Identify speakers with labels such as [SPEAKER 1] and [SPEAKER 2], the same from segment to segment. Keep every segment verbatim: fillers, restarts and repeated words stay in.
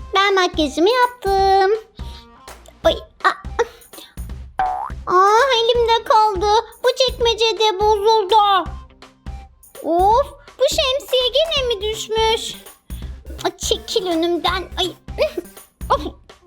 [SPEAKER 1] Ben makyajımı yaptım. Oy, aa, aa, elimde kaldı. Bu çekmecede bozuldu. Of, bu şemsiye gene mi düşmüş? Aa, çekil önümden. Ay. Of.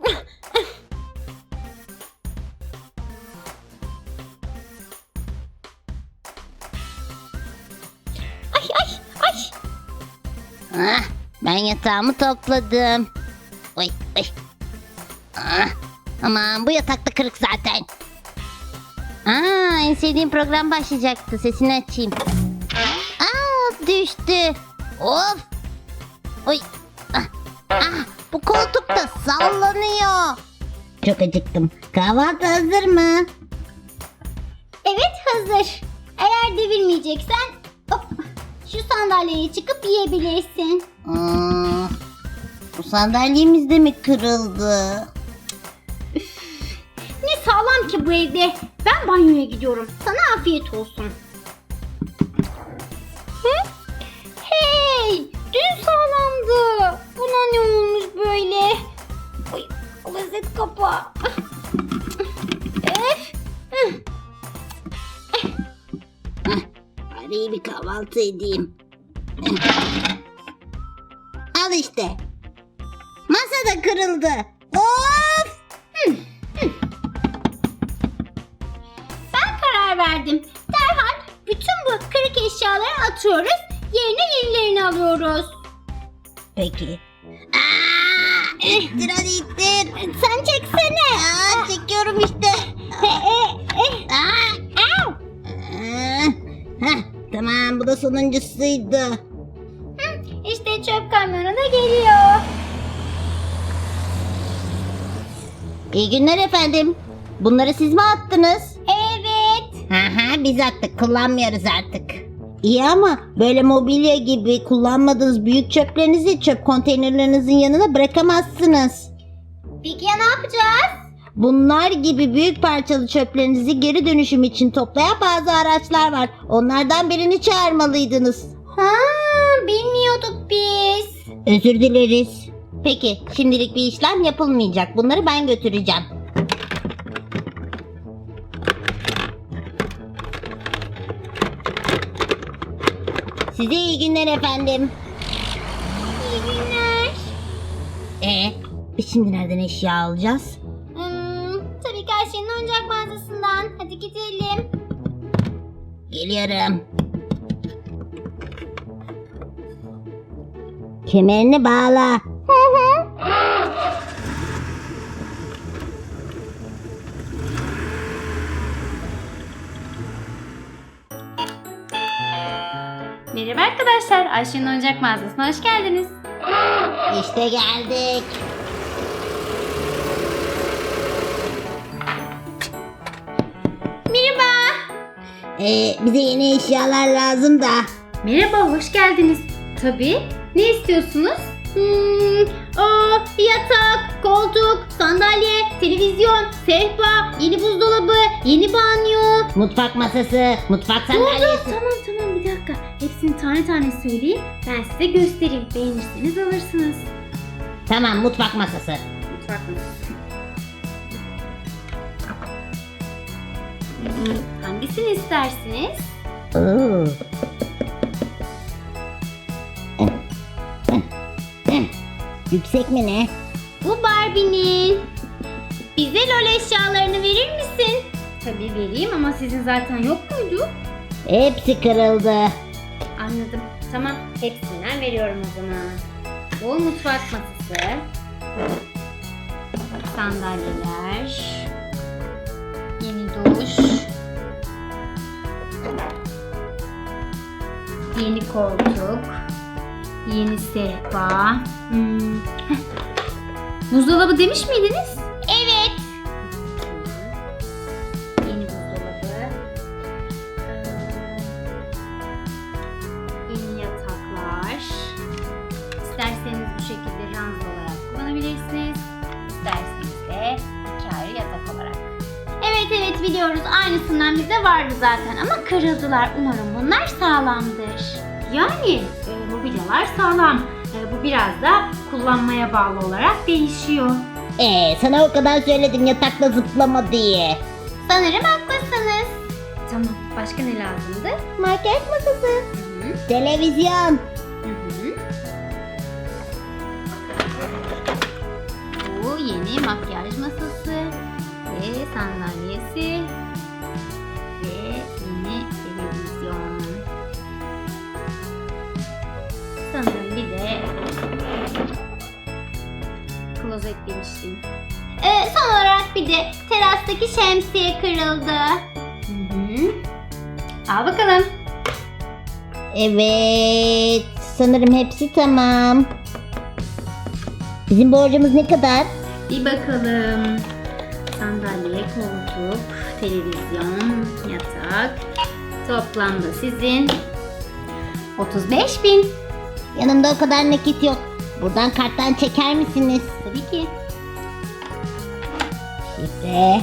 [SPEAKER 1] Ay ay ay. Ah, ben yatağımı topladım. Oy oy. Ah, aman bu yatakta kırık zaten. Aa, en sevdiğim program başlayacaktı. Sesini açayım. Aa, düştü. Of. Oy. Ah, ah, bu koltuk da sallanıyor. Çok acıktım. Kahvaltı hazır mı? Evet hazır. Eğer devirmeyeceksen hop, şu sandalyeye çıkıp yiyebilirsin. Hmm, bu sandalyemiz de mi kırıldı? Üf, ne sağlam ki bu evde. Ben banyoya gidiyorum. Sana afiyet olsun. Hı? Hey, dün sağlamdı. Buna ne olmuş böyle? Oy, klozet kapağı. Öf. Bari iyi bir kahvaltı edeyim. Al işte. Masa da kırıldı. Of! Ben karar verdim. Derhal bütün bu kırık eşyaları atıyoruz. Yerine yenilerini alıyoruz. Peki. Aa, ittir hadi ittir. Sen çeksene. Aa, çekiyorum işte. Aa, au. Heh, tamam bu da sonuncusuydu. Hı, işte çöp kamyonu da geliyor. İyi günler efendim. Bunları siz mi attınız? Evet. Aha, biz attık, kullanmıyoruz artık. İyi ama böyle mobilya gibi kullanmadığınız büyük çöplerinizi çöp konteynerlerinizin yanına bırakamazsınız. Peki ya ne yapacağız? Bunlar gibi büyük parçalı çöplerinizi geri dönüşüm için toplayan bazı araçlar var. Onlardan birini çağırmalıydınız. Ha, bilmiyorduk biz. Özür dileriz. Peki, şimdilik bir işlem yapılmayacak. Bunları ben götüreceğim. Size iyi günler efendim. İyi günler. Ee, biz şimdi nereden eşya alacağız? Hmm, tabii ki Ayşe'nin oyuncak mağazasından. Hadi gidelim. Geliyorum. Kemerini bağla. Hı hı.
[SPEAKER 2] Merhaba arkadaşlar, Ayşe'nin oyuncak mağazasına hoş geldiniz.
[SPEAKER 1] İşte geldik. Merhaba. Ee, bize yeni eşyalar lazım da.
[SPEAKER 2] Merhaba, hoş geldiniz. Tabii, ne istiyorsunuz?
[SPEAKER 1] Hmm, o yatak, koltuk, sandalye, televizyon, sehpa, yeni buzdolabı, yeni banyo. Mutfak masası, mutfak sandalyesi.
[SPEAKER 2] Tamam tamam bir dakika. Hepsini tane tane söyleyeyim. Ben size göstereyim. Beğenirseniz alırsınız.
[SPEAKER 1] Tamam, mutfak masası.
[SPEAKER 2] Mutfak masası. Hmm, hangisini istersiniz?
[SPEAKER 1] Oo. Yüksek mi ne? Bu Barbie'nin. Bize LOL eşyalarını verir misin?
[SPEAKER 2] Tabii vereyim ama sizin zaten yok muydu?
[SPEAKER 1] Hepsi kırıldı.
[SPEAKER 2] Anladım. Tamam, hepsinden veriyorum o zaman. Bu mutfak masası. Sandalyeler. Yeni duş. Yeni koltuk. Yeni sehpa. Hmm. heh. Buzdolabı demiş miydiniz?
[SPEAKER 1] Evet.
[SPEAKER 2] Yeni buzdolabı. Ee, Yeni yataklar. İsterseniz bu şekilde ranza olarak kullanabilirsiniz. İsterseniz de iki ayrı yatak olarak.
[SPEAKER 1] Evet evet biliyoruz. Aynısından bize vardı zaten ama kırıldılar. Umarım bunlar sağlamdır.
[SPEAKER 2] Yani e, mobilyalar sağlam. E, bu Bu biraz da kullanmaya bağlı olarak değişiyor.
[SPEAKER 1] Ee, sana o kadar söyledim yatakta zıplama diye.
[SPEAKER 2] Sanırım haklısınız. Tamam, başka ne lazımdı?
[SPEAKER 1] Makyaj masası.
[SPEAKER 2] Hı-hı.
[SPEAKER 1] Televizyon.
[SPEAKER 2] Hı-hı. Bu yeni makyaj masası ve sandalyesi ve yeni televizyon. Sanırım bir de klozet demiştim. Ee, son olarak bir de terastaki şemsiye kırıldı. Hı hı. Al bakalım.
[SPEAKER 1] Evet. Sanırım hepsi tamam. Bizim borcumuz ne kadar?
[SPEAKER 2] Bir bakalım. Sandalye, koltuk, televizyon, yatak. Toplamda sizin otuz beş bin.
[SPEAKER 1] Yanımda o kadar nakit yok. Buradan karttan çeker misiniz?
[SPEAKER 2] Tabii ki.
[SPEAKER 1] Şifre.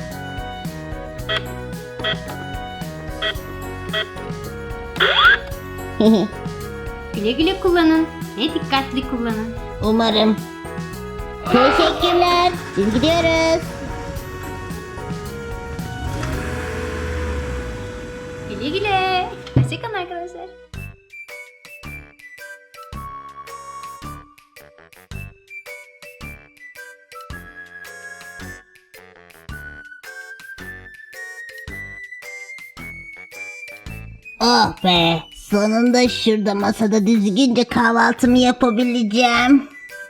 [SPEAKER 2] Güle güle kullanın. Ne dikkatli kullanın.
[SPEAKER 1] Umarım. Teşekkürler. Biz gidiyoruz.
[SPEAKER 2] Güle güle. Hoşçakalın arkadaşlar.
[SPEAKER 1] Oh be. Sonunda şurada masada düzgünce kahvaltımı yapabileceğim.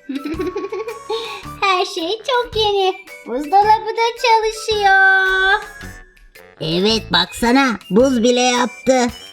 [SPEAKER 2] Her şey çok yeni. Buzdolabı da çalışıyor.
[SPEAKER 1] Evet baksana buz bile yaptı.